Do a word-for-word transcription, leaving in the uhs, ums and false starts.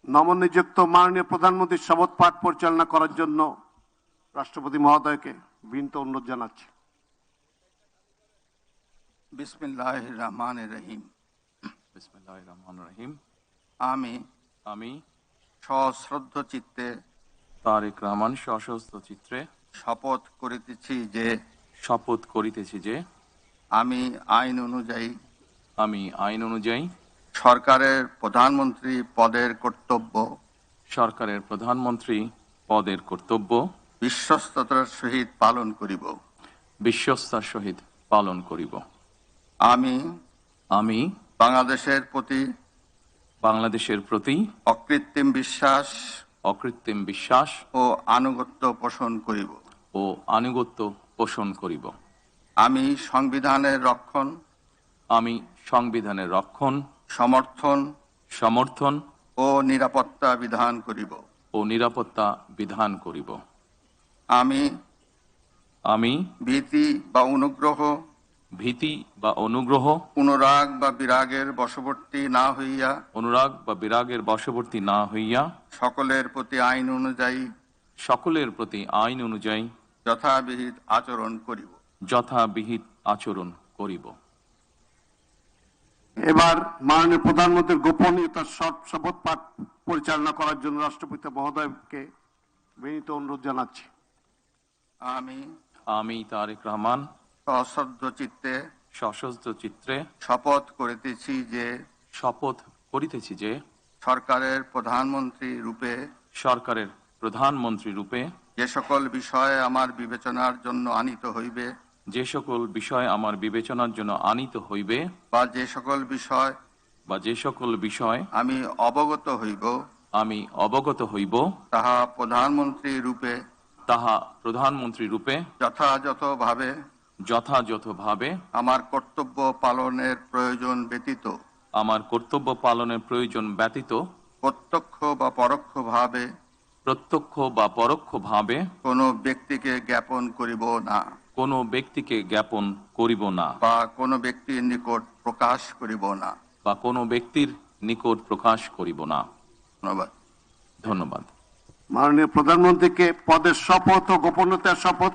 নবনিযুক্ত মাননীয় প্রধানমন্ত্রীর শপথ পাঠ পরিচালনা করার জন্য রাষ্ট্রপতি মহোদয়কে বিনীত অনুরোধ জানাচ্ছি। বিসমিল্লাহির রহমানির রহিম। বিসমিল্লাহির রহমানির রহিম। আমি আমি সশ্রদ্ধ চিত্তে তারেক রহমান সশস্ত্র চিত্রে শপথ করিতেছি যে শপথ করিতেছি যে আমি আইন অনুযায়ী আমি আইন অনুযায়ী সরকারের প্রধানমন্ত্রী পদের কর্তব্য সরকারের প্রধানমন্ত্রী পদের কর্তব্য বিশ্বস্ততার সহিত পালন করিব। বিশ্বস্তার সহিত পালন করিব। আমি আমি বাংলাদেশের প্রতি বাংলাদেশের প্রতি অকৃত্রিম বিশ্বাস অকৃত্রিম বিশ্বাস ও আনুগত্য পোষণ করিব ও আনুগত্য পোষণ করিব। আমি সংবিধানের রক্ষণ আমি সংবিধানের রক্ষণ সমর্থন সমর্থন ও নিরাপত্তা বিধান করিব ও নিরাপত্তা বিধান করিব। আমি আমি ভীতি বা অনুগ্রহ ভীতি বা অনুগ্রহ অনুরাগ বা বিরাগের বশবর্তী না হইয়া অনুরাগ বা বিরাগের বশবর্তী না হইয়া সকলের প্রতি আইন অনুযায়ী সকলের প্রতি আইন অনুযায়ী যথাবিহিত আচরণ করিব। যথাবিহিত আচরণ করিব। এবার মাননীয় প্রধানমন্ত্রীর গোপনীয়তার শপথ পাঠ পরিচালনা করার জন্য রাষ্ট্রপতি মহোদয়কে বিনীত অনুরোধ জানাচ্ছি। আমি আমি তারেক রহমান সশ্রদ্ধ চিত্তে সশস্ত্র চিত্রে শপথ করিতেছি যে শপথ করিতেছি যে সরকারের প্রধানমন্ত্রী রূপে সরকারের প্রধানমন্ত্রী রূপে যে সকল বিষয়ে আমার বিবেচনার জন্য আনিত হইবে যে সকল বিষয় আমার বিবেচনার জন্য আনিত হইবে বা যে সকল বিষয় বা যে সকল বিষয় আমি অবগত হইব আমি অবগত হইব তাহা প্রধানমন্ত্রী রূপে তাহা প্রধানমন্ত্রী রূপে যথাযথভাবে যথাযথভাবে আমার কর্তব্য পালনের প্রয়োজন ব্যতীত আমার কর্তব্য পালনের প্রয়োজন ব্যতীত প্রত্যক্ষ বা পরোক্ষভাবে প্রত্যক্ষ বা পরোক্ষভাবে কোনো ব্যক্তিকে জ্ঞাপন করিব না কোনো ব্যক্তিকে জ্ঞাপন করিব না বা কোনো ব্যক্তির নিকট প্রকাশ করিব না বা কোনো ব্যক্তির নিকট প্রকাশ করিব না। ধন্যবাদ। ধন্যবাদ। মাননীয় প্রধানমন্ত্রীকে পদের শপথ ও গোপনীয়তার শপথ